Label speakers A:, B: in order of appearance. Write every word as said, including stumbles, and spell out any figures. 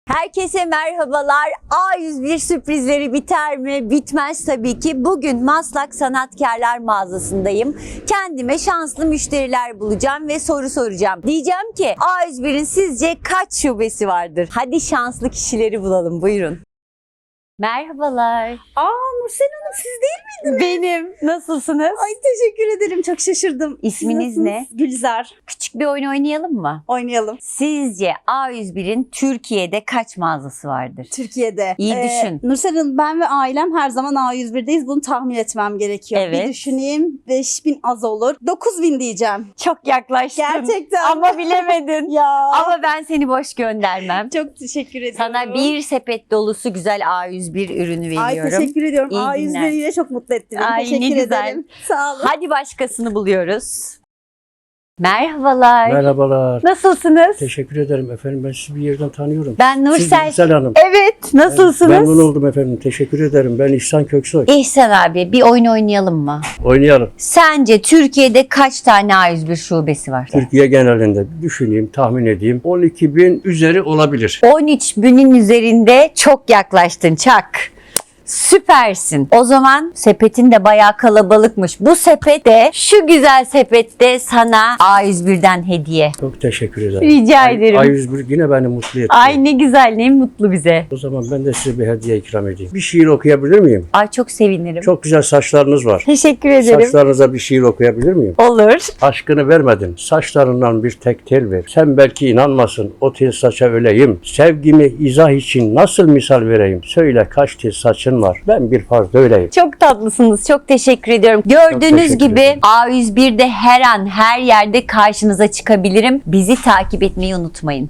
A: Herkese merhabalar. A yüz bir sürprizleri biter mi? Bitmez tabii ki. Bugün Maslak Sanatkarlar Mağazası'ndayım. Kendime şanslı müşteriler bulacağım ve soru soracağım. Diyeceğim ki A yüz birin sizce kaç şubesi vardır? Hadi şanslı kişileri bulalım. Buyurun. Merhabalar.
B: Aa Nursel Hanım siz değil miydiniz?
A: Benim. Nasılsınız?
B: Ay teşekkür ederim. Çok şaşırdım.
A: İsminiz
B: Siz nasılsınız?
A: ne?
B: Gülizar.
A: Küçük bir oyun oynayalım mı?
B: Oynayalım.
A: Sizce A yüz birin Türkiye'de kaç mağazası vardır?
B: Türkiye'de.
A: İyi düşün.
B: Nursel Hanım ben ve ailem her zaman A yüz bir'deyiz. Bunu tahmin etmem gerekiyor.
A: Evet.
B: Bir düşüneyim. beş bin az olur. dokuz bin diyeceğim.
A: Çok yaklaştın.
B: Gerçekten.
A: Ama bilemedin.
B: Ya.
A: Ama ben seni boş göndermem.
B: Çok teşekkür ediyorum.
A: Sana bir sepet dolusu güzel A yüz bir ürünü
B: Ay
A: veriyorum.
B: teşekkür ediyorum.
A: İyi
B: A yüz
A: günler.
B: bir ile çok mutlu ettiniz.
A: Ay,
B: teşekkür
A: ne güzel.
B: ederim. Sağ olun.
A: Hadi başkasını buluyoruz. Merhabalar.
C: Merhabalar.
A: Nasılsınız?
C: Teşekkür ederim efendim. Ben sizi bir yerden tanıyorum.
A: Ben
C: Siz
A: Nursel.
C: Güzel Hanım.
A: Evet, nasılsınız?
C: Memnun oldum efendim. Teşekkür ederim. Ben İhsan Köksoy.
A: İhsan abi bir oyun oynayalım mı?
C: Oynayalım.
A: Sence Türkiye'de kaç tane A yüz bir şubesi var?
C: Türkiye genelinde düşüneyim, tahmin edeyim. on iki bin üzeri olabilir.
A: on üç binin üzerinde çok yaklaştın Çak. Süpersin. O zaman sepetin de bayağı kalabalıkmış. Bu sepette, şu güzel sepette sana A yüz birden hediye.
C: Çok teşekkür ederim.
A: Rica ederim.
C: A yüz bir yine beni mutlu etti.
A: Ay ne güzel, ne mutlu bize.
C: O zaman ben de size bir hediye ikram edeyim. Bir şiir okuyabilir miyim?
A: Ay çok sevinirim.
C: Çok güzel saçlarınız var.
A: Teşekkür ederim.
C: Saçlarınıza bir şiir okuyabilir miyim?
A: Olur.
C: Aşkını vermedin, saçlarından bir tek tel ver. Sen belki inanmasın, o tel saça öleyim. Sevgimi izah için nasıl misal vereyim? Söyle kaç tel saçın var, ben bir farz öyleyim.
A: Çok tatlısınız. Çok teşekkür ediyorum. Gördüğünüz
C: teşekkür
A: gibi
C: ederim.
A: A yüz birde her an her yerde karşınıza çıkabilirim. Bizi takip etmeyi unutmayın.